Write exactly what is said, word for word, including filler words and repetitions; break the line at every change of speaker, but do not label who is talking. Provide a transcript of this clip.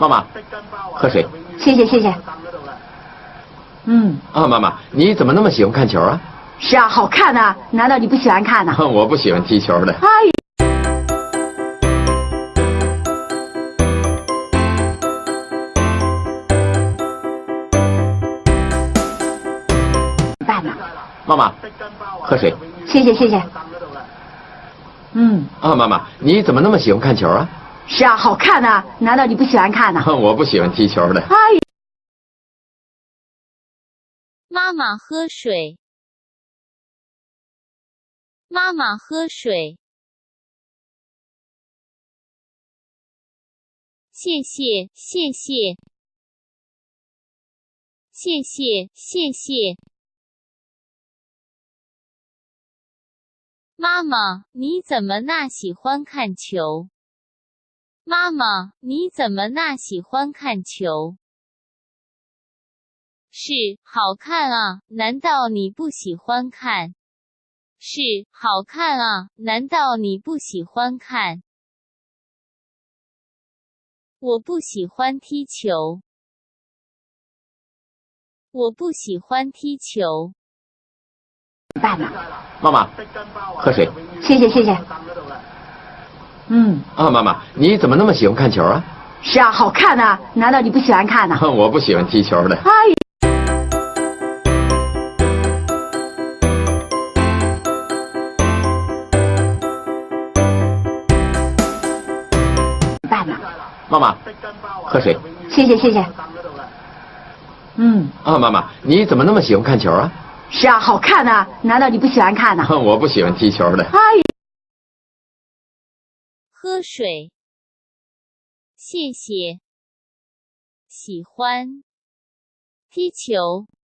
妈，喝水。
谢谢谢谢。嗯。
啊，妈妈，你怎么那么喜欢看球啊？
是啊，好看啊！难道你不喜欢看呢？
我不喜欢踢球的。
哎。办呢？
妈妈，喝水。
谢谢谢谢。嗯。
啊，妈妈，你怎么那么喜欢看球啊？
是啊，好看啊！难道你不喜欢看呢？
我不喜欢踢球的。
哎。
妈妈喝水。妈妈喝水。谢谢谢谢。谢谢谢谢。妈妈，你怎么那喜欢看球？妈妈，你怎么那喜欢看球？是，好看啊，难道你不喜欢看？是，好看啊，难道你不喜欢看？我不喜欢踢球。我不喜欢踢球。
办呢？
妈妈，喝水。
谢谢谢谢。嗯。
啊，妈妈，你怎么那么喜欢看球啊？
是啊，好看啊！难道你不喜欢看呢？
我不喜欢踢球的。
哎。办呢？
妈妈，喝水。
谢谢谢谢。嗯。
啊，妈妈，你怎么那么喜欢看球啊？
是啊，好看啊！难道你不喜欢看呢？
我不喜欢踢球的。
哎。
喝水。谢谢。喜欢。踢球。